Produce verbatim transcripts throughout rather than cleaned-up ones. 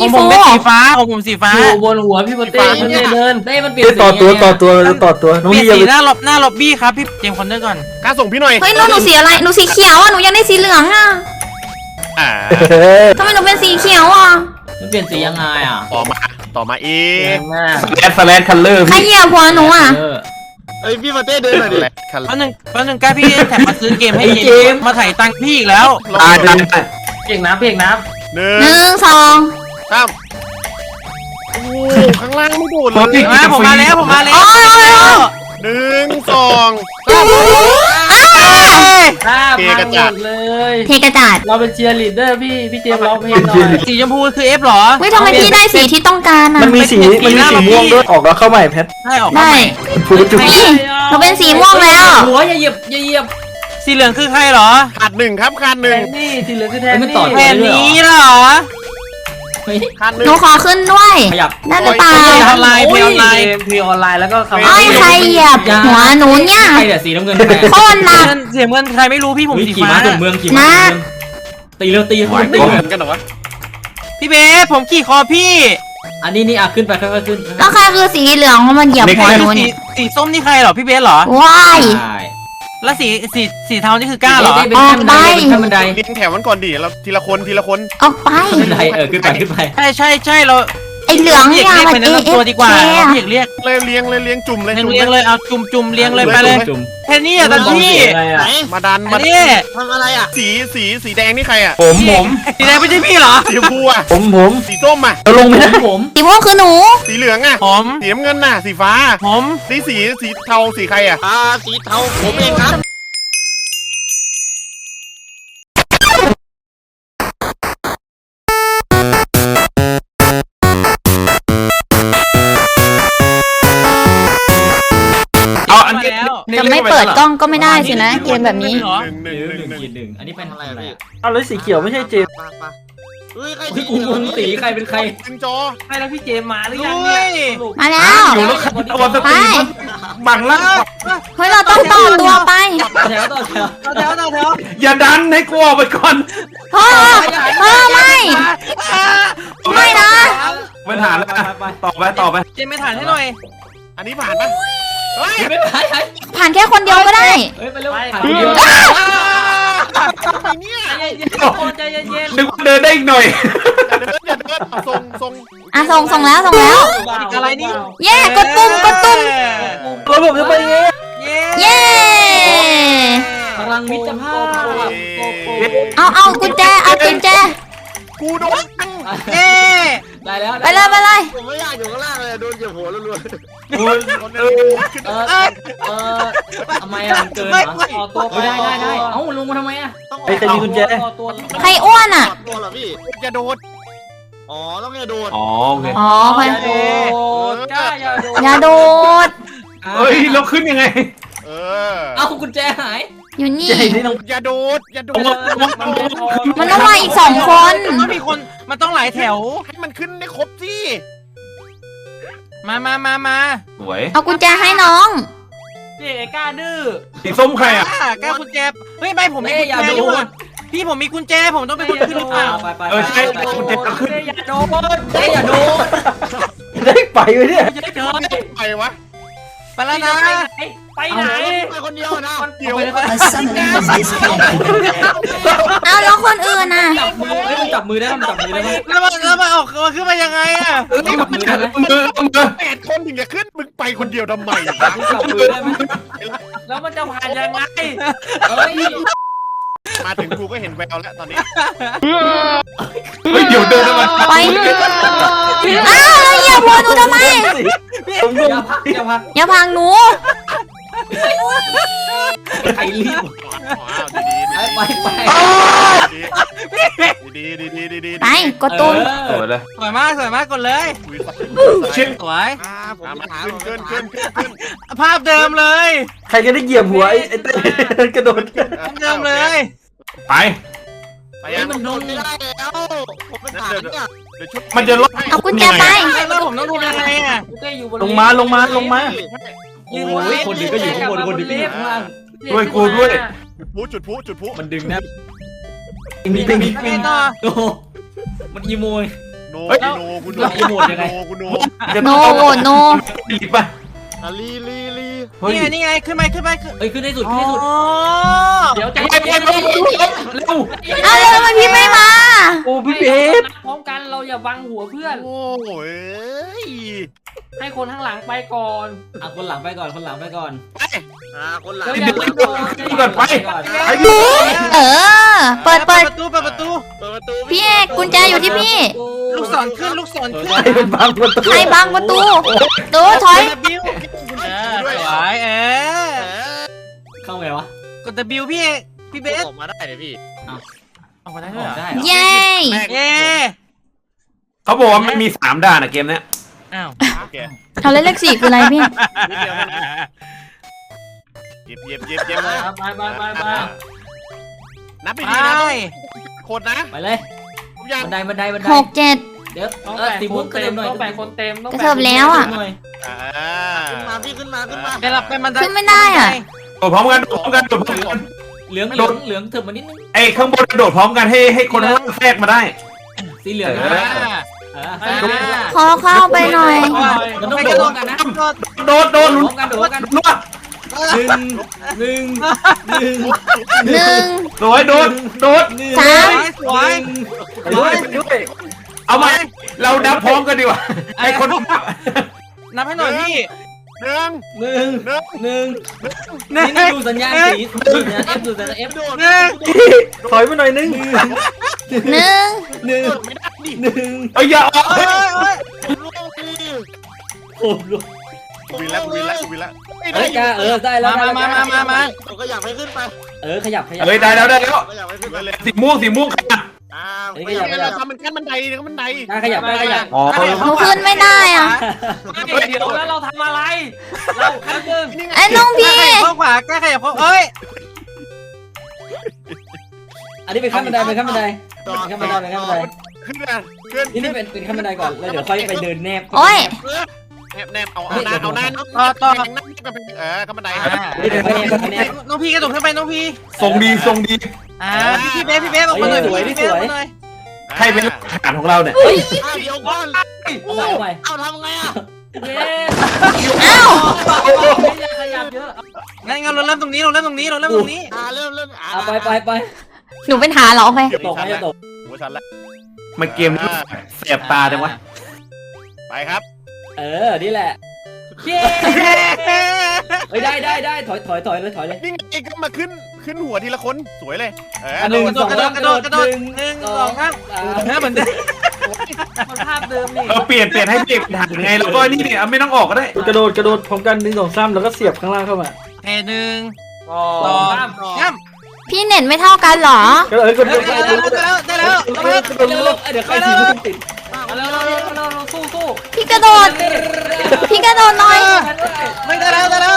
พี่ผฟูมเป็นสีฟ้าของผมสีฟ้าอยู่บนหัวพี่โปเต้มันเดินได้มันเปลี่ยนต่อตัวต่อตัวต่อตัวน้องเปลี่ยนพี่สีอย่าหน้าล็อบหน้าล็อบบี้ครับพี่เจมส์คอนเนอร์ก่อนกล้าส่งพี่หน่อยเฮ้ยแล้วหนูสีอะไรหนูสีเขียวอ่ะหนูยังได้สีเหลืองอ่ะอ่าทำไมหนูเป็นสีเขียวอ่ะมันเปลี่ยนสียังไงอ่ะต่อมาต่อมาเอแรง งมากแอดสแลนคัลเลอร์ใครพี่เหยียบหัวหนูอ่ะเออเอ้ยพี่มาเต้เดินหน่อยดิคันแป๊บนึงแป๊บนึงกล้าพี่แถมมาซื้อเกมให้ไอ้เจเจมมส์ส์มาถ่ายตังค์พี่อีกแล้วอ่าได้เพียงน้ำเพียงน้หนึ่งหนึ่งสองสามโอ้โหข้างล่างไม่โดดเลยมาผมมาแล้วผมมาแล้วหนึ่งสองำถ้าเกพังกระหมจาดดเลยเทกระจาดเราเป็นเชียร์ลีดเดอร์พี่พี่เจมส์ร้องเพลงหน่อยสีชมพูคือเอฟหรอเฮ้ยทำไมพี่ได้สีที่ต้องการอ่ะมันมีสีมันมีสีม่วงด้วยออกแล้วเข้าใหม่แพทได้ออกได้ฟูจุดนี่หนูเป็นสีม่วงแล้วหัวอย่าเหยียบอย่าเหยียบสีเหลืองคือใครหรอขาดหนึ่งครับขาดหแทนึ่งนนี่สีเหลืองคือแทนมันนี่ต่อแทนนี้เหรอเฮ้ยขาดหนึ่หงนูขอขึ้นด้วยขยับได้หรือเปล่าเพลย์ออนไลน์เพลย์ออนไลน์เพลย์ออนไลน์แล้วก็คำไอ้ยใครเหยียบหัวหนูเนี่ยใครเดี๋ยวสีน้ำเงินแทนโคตรหนักเงินเสียเงินใครไม่รู้พี่ผมเฮ้ยสีขี่ฟ้าม้าถึงเมืองขี่ม้าถึงเมืองตีเร็วตีตีตีเหมือนกันเหรอวะพี่เบสผมขี่คอพี่อันนี้นี่อ่ะขึ้นไปค่อยๆขึ้นแล้วใครคือสีเหลืองเขามาเหยียบหัวหนูสีเนี่ยสีส้มนี่ใครเหรอพี่เบสเหรอว้ายใช่แล้วสีสีสีเทานี่คือกล้าเหรอเป็นขั้นบันไดเป็นขั้นบันไดเรียงแถวมันก่อนดิเราทีละคนทีละคนออกไปบันไดเออขึ้นไปขึ้นไปใช่ใช่ใช่เราไอ้เหลืองพี่เนี่เอกยเรียกมันไปเอแนะนำตัวดีกว่าเอพี่เอกเรียกเลยเลี้ยงเลยเลี้ยงจุ่มเลยเรียงจุ่มเรียงเลยเอาจุ่มจุ่มเรียงเลยไปเลยจุ่มแค่นี้อ่ะตอนพี่อะไรไหนอ่ะมาดันอัมานนี้ทำอะไรอ่ะสีสีสีแดงนี่ใครอ่ะผมผมสีแดงไม่ใช่พี่เหรอสีชมพูอ่ะผมผมสีส้มอ่ะเราลงไม่ได้ผมสีม่วงคือหนูสีเหลืองอ่ะผมสีน้ำเงินน่ะสีฟ้าผมสีสีสีเทาสีใครอ่ะอ่าสีเทาผมเองครับเอาอันนี้แล้วจะไม่เปิดกล้องก็ไม่ได้สินะเกมแบบนี้เหรอหนึ่งหหนึ่งนึ่งหนึ่งหนึ่งหนึ่งขีดหนึ่งอันนี้เป็นอะไรอ่ะเอาแล้วสีเขียวไม่ใช่เจมปะปะเฮ้ยใครเฮ้ยกูงงสีใครเป็นใครหนึ่งจอใครแล้วพี่เจมมาหรือด้ยังวเนี่ยยมาแล้วอยู่แล้วเอาวันสไปตรีมบังล่างเฮ้ยเราต้องต่อตัวไปแถวต่อแถวแถวแถวแถวอย่าดันให้กูออกไปก่อนพ่อพ่อไม่ ไม่นะไม่ฐานแล้วต่อไปต่อไปเจมไม่ถ่ายให้หน่อยอันนี้ผ่านปะเฮ้ยไม่ได้ผ่านแค่คนเดียวก็ได้เฮ้ยไปเร็วผ่านเดียวเนี่ยใจเย็นใจเย็นนึกว่าเดินได้อีกหน่อยอย่าเดินอย่าเดินเอาทรงทรงอ่ะส่งส่งแล้วส่งแล้วอะไรนี่เย่กดปุ่มกดปุ่มแล้วผมจะไปยังไงเย้เย่พลังมิตรภาพเอาเอากุญแจเอากุญแจกูโดนเย้ได้แล้วไปเลยไปเลยผมไม่อยากอยู่ข้างล่างเลยโดนเหยียบหัวรัวเออเออเออทำไมอ่ะมันเกินเหรอต่อตัวได้ได้ได้เอ้าลงมาทำไมอ่ะๆต้องอไอ้อกใครมีกุญแจต่อตัวใครอ้วนอ่ะออกตัวเหรอพี่อย่าโดดอ๋อต้องอย่าโดดอ๋อโอเคอ๋อใครอย่าโดดจ้าอย่าโดดอย่าโดดเฮ้ยเราขึ้นยังไงเออเอ้ากุญแจหายอยู่นี่เจนี่ต้องอย่าโดดอย่าโดดมันต้องมาอีกสองคนมันต้องมีคนมันต้องหลายแถวให้มันขึ้นได้ครบสิมามามามาสวยเอากุญแจให้น้องพี่ไอ้ก้าดื้อสีส้มใครอ่ะอ่ะแก้วกุญแจเฮ้ยไม่ผมมีกุญอย่าแจโดอยู่ดพี่ผมมีกุญแจผมต้องเป็นคนขึ้นหรือเปล่าไปไปเออใช่กุญแจขึ้นอย่าโดดอย่าโดดได้ไปไหมเนี่ยอย่าโดดไปวะไปแล้วนะไปไหนไปคนเดียวนะเดี๋ยวเอาแล้วคนอื่นน่ะจับมือเฮ้ยมันจับมือได้มันจับมือได้ไหมแล้วมันแล้วมันออกมาขึ้นมายังไงอ่ะจับมือได้ไหมมือมือแปดคนถึงจะขึ้นมึงไปคนเดียวทำไมจับมือได้ไหมแล้วมันจะผ่านยังไงเฮ้ยมาถึงกูก็เห็นแววแล้วตอนนี้เฮ้ยเดี๋ยวเดินมาไปอ้าวแล้วเหยียบหัวหนูทำไมผมงอย่าง พักอย่าพักอย่าพังหนูใครรีบ ไปไปดีดีดีดีดีไปกดตุ้มสวยเลยสวยมากสวยมากกดเลยชิดสวยอ่าผมมีมาถามขึ้นขึ้นขึ้นขึ้นขึ้นภาพเดิมเลยใครจะได้เหยียบหัวไอ้ไอ้เต้กระโดดภาพเดิมเลยไปไปยังมันโดนไม่ได้แล้วผมเป็นฐานเนี่ยเดี๋ยวชุดมันจะลดเอากุญแจไปแล้วผมต้องทำยังไงอ่ะลงมาลงมาลงมาโอ้ยคนดึงก็อยู่ข้างบนคนดึงก็อยู่ข้างล่างด้วยกูด้วยจุดพลุจุดพลุจุดพลุมันดึงนะมีติงไปต่อโอ้มันอีโมยหโนเฮ้ยกูโนกูโนอีโมดยังไงกูโนโนโหวตโนดีป่ะอ่ะลีลีลีเฮ้ยนี่ไงนี่ไงขึ้นไปขึ้นไปขึ้นเอ้ยขึ้นให้สุดขึ้นให้สุดอ๋อเดี๋ยวใจไปไปเย็นไปเร็วเอาเลยทำไมพี่ไม่มาโอ้พี่เบสพร้อมกันเราอย่าบังหัวเพื่อนโอ้ยให้คนข้างหลังไปก่อนอ่ะคนหลังไปก่อนคนหลังไปก่อนอ่าคนหลังเดี๋ยวอย่าเพิ่งโดนก่อนไปก่อนไอ้พี่เออ เปิดเปิดประตูเปิดประตูเปิดประตูพี่เอกกุญแจอยู่ที่พี่ลูกศรขึ้นลูกศรขึ้นไอ้เป็นบางประตูใครบังประตูตูถอยกด W เออสวยเออเข้าไงวะกด W พี่เอกพี่เบสออกมาได้เลยพี่ออกมาได้อด้วยอกเหรอได้เหรอเย้เย้เขาบอกว่ามันมีสามด่านอะเกมเนี้ยอ้าวโอเคเขาเล่นเลขสี่คืออะไรพี่นิดเดียวมันเย็บเย็บเย็บเย็บเลยไปไปไปไปนับไปไปดีนะคนนะไปเลยผมยังบันไดบันไดบันไดหกเจ็ดเดี๋ยวต้องเออแบ่งสีคม่วงนกระเต็เด็มนหน่อยต้องแบ่งคนเต็มต้องกระเทิบแล้วอะหน่อยอ่าขึ้นมาพี่ขึ้นมาขึ้นมาไปหลับไปมันขึ้นไม่ได้อะโดดพร้อมกันโดดพร้อมกันโดดพร้อมกันเหลืองเหลืองเหลืองเถิบมานิดนึงไอ้ข้างบนโดดพร้อมกันให้ให้คนข้างล่างแทรกมาได้สีเหลืองเอนะอ่าเอออ่าขอเข้าไปหน่อยมันต้องโดดพร้อมกันนะโดดโดดโดลุ้ดนพร้อมกันโดดพร้อมกันลุ้นหนึ่งหนึ่งหนึ่งหนึ่งสวยโดดโดดหนึ่งสามสวยไปด้วยไปด้วยเอามาเรานับพร้อมกันดีกว่าไอ้คนนับนับให้หน่อยพี่หนึ่งหนึ่งหนึ่งหนึ่งหนึ่นี่งนี่ดูสัญญาณสีดูสัญญาณ F ดูสัญญาณ F หนึ่งถอยมาหน่อยนึงหนึ่งหนึ่งหนึ่งเอ้ยอย่าออกโอ้ยโอ้ยลูกพี่โอ้โหกูวินแล้วกูวินแล้วกูวินแล้วเฮ้ยกาเออได้แล้วมามามามามาผมก็อยากไปขึ้นไปเออขยับขยับเฮ้ยได้แล้วได้แล้วก็อยากไปขึ้นไปเลยสีม่วงสีม่วงค่ะอ้าวเฮ้ยขยับขเรายับทำเป็นขั้นบันไดนี่ขั้นบันไดได้ขยับได้ขยับอ๋อหนูขึ้นไม่ได้อะเดี๋ยวแล้วเราทำอะไร เราแป๊บนึงไอ้น้องพี่ขยับเข้าขวากล้าขยับเข้าเอ้ยอันนี้เป็นขั้นบันไดเป็นขั้นบันไดเป็นขั้นบันไดเป็นขั้นบันไดขึ้นนะขึ้นนี่นี่เป็นเป็นขั้นบันไดก่อนแล้วเดี๋ยวค่อยไปเดินแนบโอ้ยแนบแนบเอาเอาหน้าเอาหน้าต่อต่อเออขั้นบันไดอ่านี่เดินแนบเดินแนบน้องพี่กระโดดขึ้นไปน้องพี่ทรงดีทรงดีอ่าพี่เบสพี่เบสออกมาหน่อยพี่พี่เบสออกมาหน่อยใครเป็นหลักฐานของเราเนี่ยอ้าวเดี๋ยวก่อนเอาใหม่เอาใหม่เอาทำไงอ่ะเย้อ้าวไม่อยากขยับเยอะงั้นงั้นเราเริ่มตรงนี้เราเริ่มตรงนี้เราเริ่มตรงนี้อ่าเริ่มเริ่มอ่าเอาไปไปไปหนูเป็นหาเหรอไปตกไหมจะตกหัวชันละมันเกมนี้แสบตาจังวะไปครับเออนี่แหละเย้เฮ้ยได้ได้ได้ถอยถอยถอยเลยถอยเลยนี่ไงก็มาขึ้นขึ้นหัวทีละคนสวยเลยเออหนึ่งกระโดดกระโดดกระโดดกระโดดหนึ่งสองครับเนื้อเหมือนเดิมมันภาพเดิมนี่เราเปลี่ยนเปลี่ยนให้เปลี่ยนเป็นทางไงแล้วก็นี่เนี่ยไม่ต้องออกก็ได้กระโดดกระโดดพร้อมกันหนึ่งสองสามแล้วก็เสียบข้างล่างเข้ามาแค่หนึ่งสอสอง งสามย่พี่เน็ตไม่เท่ากันเหรอก็เอ้ยกระโดดำได้แล้วได้แล้วได้แล้วเดี๋ยวเดี๋ยวเดี๋ยวใครทีมพุ่งติดเอาเร็วเร็วเร็วเร็วสู้สู้พี่กระโดด พี่กระโดดหน่อยไม่ได้แล้วได้แล้ว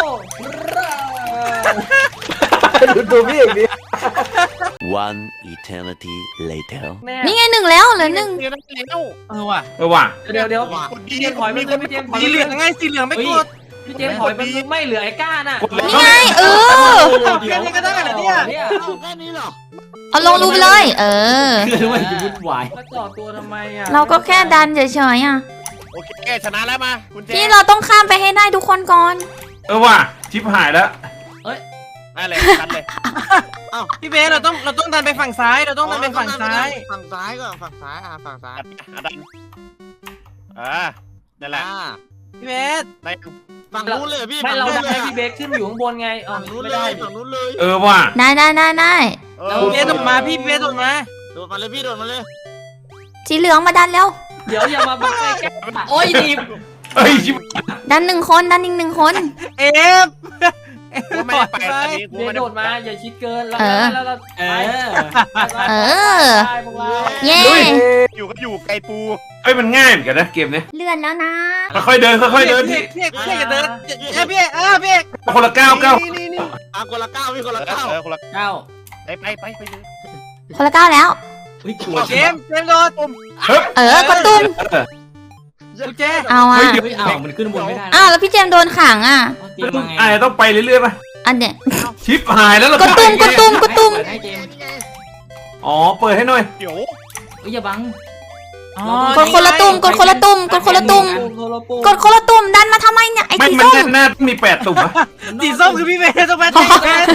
ดูตัวพี่เอกดิ One eternity later. แน่นี่ไงหนึ่งแล้วเหลือหนึ่งเดี๋ยวนั่นเร็วเออว่ะเออว่ะเดี๋ยวเดี๋ยวคนดีพี่เจมถอยไปเลยพี่เจมถอยสีเหลืองไงสีเหลืองไม่กดพี่เจมถอยไปไม่เหลือไอ้ก้าน่ะนี่ไงเออแค่นี้ก็ได้เหรอเนี่ยเนี่ยเอาแค่นี้เหรอเอาลงรูไปเลย เออคือมันจะวุ่นวายแล้วต่อตัวทำไมอ่ะเราก็แค่ดันเฉยๆอ่ะโอเคชนะแล้วมาคุณเจพี่เราต้องข้ามไปให้ได้ทุกคนก่อนเออว่ะชิปหายแล้วได้เลยชันเลยพี่เบสเราต้องเราต้องดันไปฝั่งซ้ายเราต้องดันไปฝั่งซ้ายฝั่งซ้ายก่อนฝั่งซ้ายอ่าฝั่งซ้ายอาดันอ่านั่นแหละอ่าพี่เบสได้ฝั่งนู้นเลยพี่ไม่ฝั่งเรานู้นได้เลยพี่เบคขึ้นอยู่ข้างบนไงอ๋อฝั่งนู้นไม่เลได้ยฝั่งนู้นเลยเออว่ะได้ได้ได้ได้พี่เบสโดดมาพี่เบสโดดมาโดดมาเลยพี่โดดมาเลยสีเหลืองมาดันแล้วเดี๋ยวอย่ามาบังไอ้แก้าโอ้ยดีบเฮ้ยชิปดันหนึ่งคนดันอีกหนึ่งคนเอฟกูไม่ได้ไปตอนนี้กูเดี๋ยวไม่โดได้ดมาอย่าชิดเกินแล้วเออแล้วเราเออเออได้พวกเราเย้อยู่ก็อยู่ไกลปูเฮ้ยมันง่ายเหมือนกันนะเกมเนี้ยเลื่อนแล้วนะค่อยๆเดินค่อยๆเดินพี่พี่เอกพี่เอกพี่เอกจะเดินเอ้ยพี่เอกอ่าพี่เอกคนละก้าวก้าวนี่นี่นี่อ่ะคนละเก้าพี่คนละเก้าเออคนละเก้าไปไปไปไปเลยคนละก้าวแล้วอุ้ยกลัวเจมส์เจมส์โดดเออกดตุ้มเออกูเจเอาอ่ะเฮ้ยอ้าวมันขึ้นบนไม่ได้อ้าวแล้วพี่เจมส์โดนขังอ่ะเตรียมมาไงอาจจะต้องไปเรื่อยๆป่ะอันเนี้ยชิปหายแล้วเรากดตุ้มกดตุ้มกดตุ้มให้เจมส์อ๋อเปิดให้หน่อยเดี๋ยวเฮ้ยอย่าบังกดคนละตุ่มกดคนละตุ่มกดคนละตุ่มกดคนละตุ่มดันมาทำไมเนี่ยไอ้ไม่สีมันส้มแน่ๆมีแปดตุ่มอะสีส้มคือพี่เบสต้องมาแทน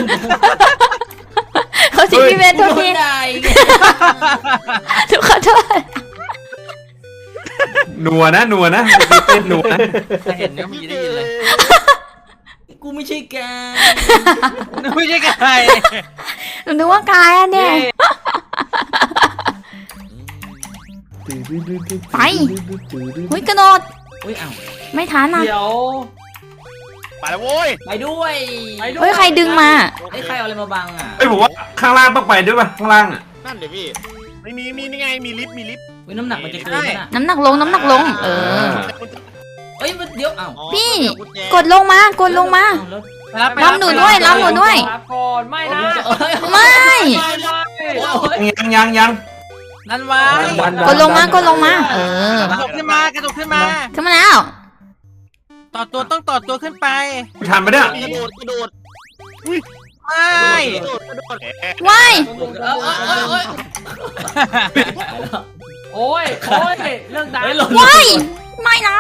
เขาสิพี่เบสทุกทีทุกขอโทษนัวนะนัวนะเต้นนัวนะเห็นก็มีได้ยินเลยกูไม่ใช่แกไม่ใช่ไก่หนูนึกว่ากายอ่ะเนี่ยไปหุ้ยกระโดดอุ้ยอ้าวไม่ทันอ่ะเดี๋ยวไปแล้วโว้ยไปด้วยไปด้วยเฮ้ยใครดึงมาไอ้ยใครเอาอะไรมาบังอ่ะไอ้ยผมว่าข้างล่างต้องไปด้วยป่ะข้างล่างอ่ะนั่นเดี๋ยวพี่ไม่มีมีนี่ไงมีลิฟต์มีลิฟต์อุ้ยน้ำหนักมันจะเกินไหมน่ะน้ำหนักลงน้ำหนักลง เออเอ้ยมันเดี๋ยวอ้าวพี่ กดลงมากดลงมาเอาแล้วรับหนูด้วยรับหนูด้วยรับก่อนไม่นะเอ้ยไม่ไม่ไม่ยังยังยังนั่นวะกดลงมากดลงมา เออกระโดดขึ้นมากระโดดขึ้นมาขึ้นมาแล้วต่อตัวต้องต่อตัวขึ้นไปทันไปเนี่ยกระโดดกระโดดไม่กระโดดกระโดดว้ายเอ้ยเอ้ยเอ้ยโอ้ยโอ้ยเรื่องดังเฮ้ยเราว้ายไม่นะ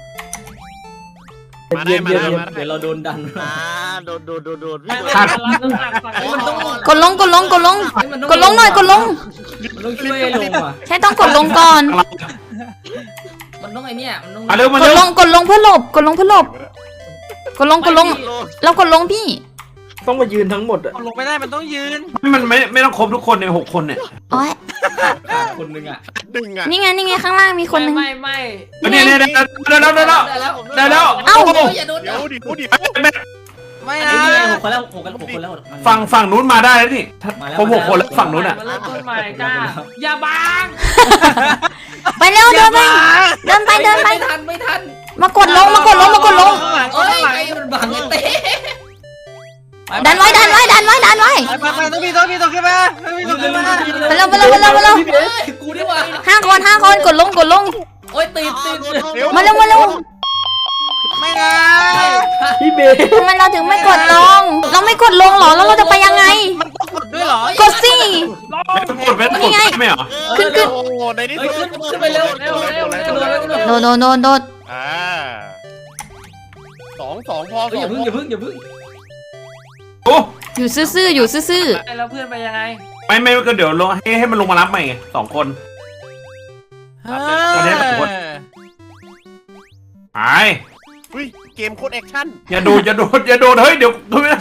มาได้มาได้มาเดี๋ได้ยวเราโดนดันอ่าโดดโดดโดดโดดพี่ไม่โดไม่ดรับน้ำหนักฝั่งนี้มันต้องกดลงกดลงกดลงเฮ้ยมันต้กดลงหน่อยกดลงมันต้องช่วยลงอ่ะใช่ต้องกดลงก่อนมันต้องไอเนี้ยมันต้องมาเร็วมากดเร็วลงกดลงเพื่อหลบกดลงเพื่อหลบกดลงกดลงเรากดลงพี่ต้องมายืนทั้งหมดอะลงไม่ได้มันต้องยืนมันไม่ไม่ต้องครบทุกคนในหกคนเนี่ยโอ้ยคนนึงอ่ะดึงอ่ะนี่ไงนี่ไงข้างล่างมีคนหนึงไม่ไม่เนี่ยเนี่ยได้แล้วได้แล้วได้แล้วได้แล้วได้แล้วเอ้าโอ้ยอย่าโดนเดี๋ยวดิเดี๋ยวดิไม่อันนะนี้หกคนแล้วหกกันหกคนแล้วฝั่งฝั่งนู้นมาได้แล้วนี่ผมหกคนแล้วฝั่งนู้นอ่ะมาเริ่มต้นใหม่จ้าอย่าบังไปเร็วเดินไปเดินไปเดินไปไม่ทันไม่ทันมากดลงมากดลงมากดลงข้างหลังเอ้ข้างยหลังไอ้มันบังไอ้เต้ดันไว้ดันไว้ดันไว้ดันไว้ไปไปต้องมีต้องมีต้องขึ้นมาต้องมีต้องขึ้นมาไปเร็วไปเร็วไปเร็วไปเร็วเฮ้ยกูดีกว่าห้าคนห้าคนกดลงกดลงโอ้ยติดติดมาเร็วมาเร็วไม่นะพี่เบสทำไมเราถึงไม่กดลง เราไม่กดลงเหรอแล้วเราจะไปยังไงมันต้องกดด้วยเหรอกดสิไม่ต้องกดไม่ต้องกดไม่เหรอขึ้นขึ้นโอ้โหในที่เฮ้ยสุขึ้ดนขึ้นไปเร็วเร็วเร็วเร็วเร็วเร็วโดดโดดโดดโดดอ่าสองสองพอสออย่างพึ่งอย่าพึ่งอย่าพึ่งโอ้อยู่ซื่อๆอยู่ซื่อแล้วเพื่อนไปยังไงไม่ไม่ก็เดี๋ยวลงให้ให้มันลงมารับใหม่ไงสองคนเฮ้ยไปอุ้ยเกมโคตรแอคชั่นอย่าโดดอย่าโดดอย่าโดดเฮ้ยเดี๋ยวทนไม่ได้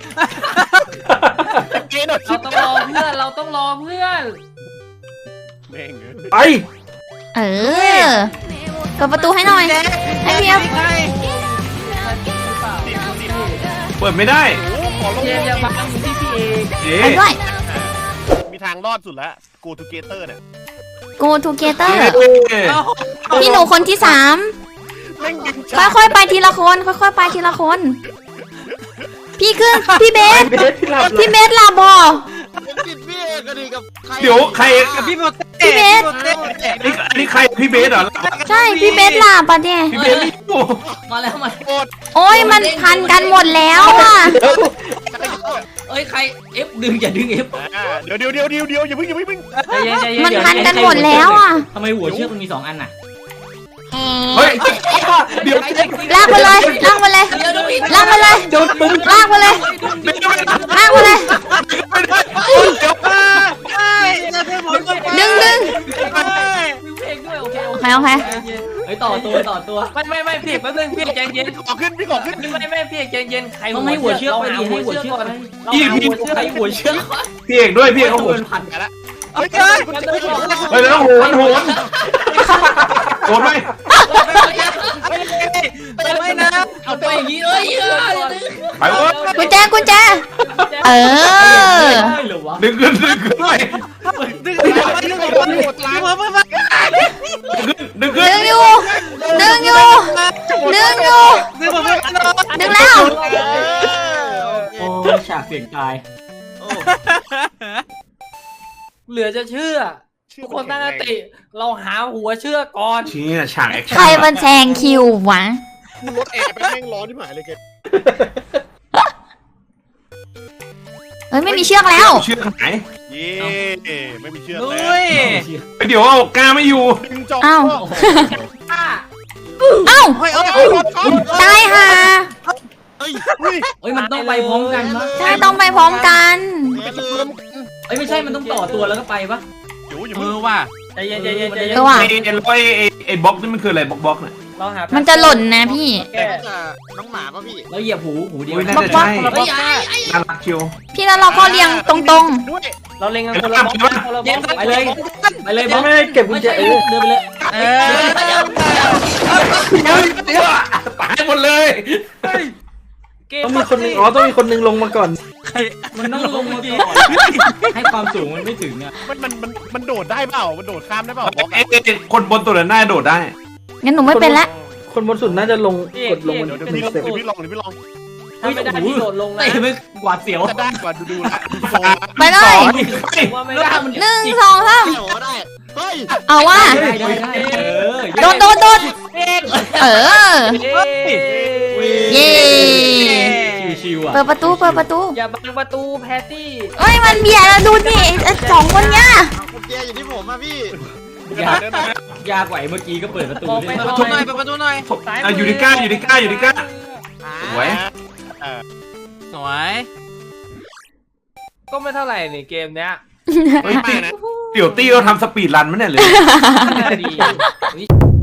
เกมหน่อยเราต้องรอเพื่อนเราต้องรอเพื่อนแม่งไปๆเออเปิดประตูให้หน่อย ให้พี่เอาเปิดไม่ได้โอ้ขอลงเจมอย่าบังอยู่ที่พี่เอกเอ๊ไปด้วยมีทางรอดสุดแล้ว Go Together เนี่ย go together ะพี่หนูคนที่สามแม่งดึงช้าค่อยๆไปทีละคน ค่อยๆไปทีละคน พี่ขึ้น พี่เบสเบสพี่หลับพี่เบสลาบอผมติดพี่เอกกันดีกับใครเดี๋ยวใครกับพี่โบเต้พี่เบสอันนี้อันนี้ใครพี่เบสเหรอใช่ พี่เบสลาปะเนี่ยพี่เบสนี่โอ้มาแล้วมาโกรธโอ้ยมันพันกันหมดแล้วอ่ะเอ้ยใครเอฟดึงอย่าดึงเอฟอ่าเดี๋ยวเดี๋ยวเดี๋ยวเดี๋ยวเดี๋ยวอย่าเพิ่งอย่าเพิ่งใจเย็นใจเย็นมันพันกันหมดแล้วอ่ะทำไมหัวเชือกมันมีสองอันน่ะเฮ้ยเดี๋ยวลากไปเลย ลากไปเลยเดี๋ยวดูผิดลากไปเลยโดนปืนลากไปเลย ลากไปเลยไม่ได้เดี๋ยวใช่เราเธอหมดดึงดึงมีเพลงด้วยโอเคโอโอเคเคโอเคเฮ้ยต่อตัวต่อตัวไม่ไม่ไม่พี่แป๊บนึงพี่ใจเย็นขอขึ้นพี่ขอขึ้นไม่ไม่พี่ใจเย็นใครต้องให้หัวเชือกไปดิให้หัวเชือกก่อนเราหาหัวเชือกให้หัวเชือกพี่เอกด้วยพี่เอกเขาโหโดนนพันไปละโอเคเฮ้ยแล้วโหนโหนโหนไหมไม่นะเอาไปอย่างนี้เอ้ยไปเว้ยกุญแจกุญแจ เออได้หรอวะดึงขึ้นดึงขึ้นไปดึงดึงดึงดึงดึงหัวเพื่อนมาดึงขึ้นดึงอยู่ ดึงอยู่ ดึงอยู่ดึงหัวเพื่อนมาดึงแล้วโอ้ฉากเปลี่ยนกายเหลือจะเชื่อทุกคนตั้งสติเราหาหัวเชื่อก่อนชี้น่ะฉากแอคชั่นใครมันแซงคิววะกูรถแอร์ไปแม่งร้อนที่หมายเลยแกเฮ้ยไม่มีเชือกแล้วเชือกหายเย่ไม่มีเชือกลุแล้วยเดี๋ยวเอากล้าไม่อยู่ดึงจออ้าวอ่ะเอ้าเฮ้ยเอ้ยตายห่าเฮ้ยเอ้ยมันต้องไปพร้อมกันปะใช่ต้องไปพร้อมกันเอ้ยไม่ใช่มันต้องต่อตัวแล้วก็ไปปะเดี๋ยวอย่าเอเพิ่งอว่ะใจเย็นใจเย็นใจเย็นเออว่ะไอ้ไอ้ไอ้ไอ้บล็อกนี่มันคืออะไรบล็อกบล็อกเนี่ยเราหามันจะหล่นนะพี่แก้น้องหมาป่ะพี่แล้วเหยียบหูหูเดียวอุ้ยน่าจะบล็อกใช่เฮ้ยไอ้น่ารักคิวพี่แล้วเราก็เรียงตรงด้วยเราเล็งกันคนละบล็อกคนละบล็อกไปเลยไปเลยบอไม่สไม่เก็บกุญแจเออเดินไปเลยเออเดี๋ยวเดี๋ยวตายหมดเลยเกมต้องมีคนหนึงอ๋อต้องมีคนหนึงลงมาก่อนมันต้องลงมาก่อนให้ความสูงมันไม่ถึงอ่ะมันมันมันมันโดดได้เปล่ามันโดดข้ามได้เปล่าบล็อกไอ้ไอ้ไอ้คนบนตัวนั้นน่าโดดได้งั้นหนูไม่เป็นละคนบนสุดน่าจะลงกดลงมันเดี๋ยวหพี่นึ่งลองสเต็ปเดี๋ยวพี่ลองเดี๋ยวพี่ลองถ้าไม่ได้ที่โดดลงนะเตะไปกวาดเสียวจะได้กว่าดูดูละดูทรงไปเลยไปว่าไม่ได้หนึ่งสองสามโอ้ได้ เฮ้ยเอาว่าได้ได้ได้เออโดนโดนโดนเออ เย้ชิวๆอ่ะเปิดประตูเปิดประตูอย่าบังประตูแพตตี้เอ้ยมันเบียดแล้วดูดิไอ้สองคนเนี้ยกุญแจอยู่ที่ผมอะพี่ยากยากกว่าไอ้เมื่อกี้ก็เปิดประตูออกไปได้เปิดประตูหน่อยเปิดประตูหน่อยอ่ะอยู่ในก้าอยู่ในก้าอยู่ในก้าสวยสวยก็ไม่เท่าไหร่นี่เกมเนี้ยเฮ้ยเดี๋ยวตี้เราทำสปีดรันมั้ยเนี่ยเลยน่าดี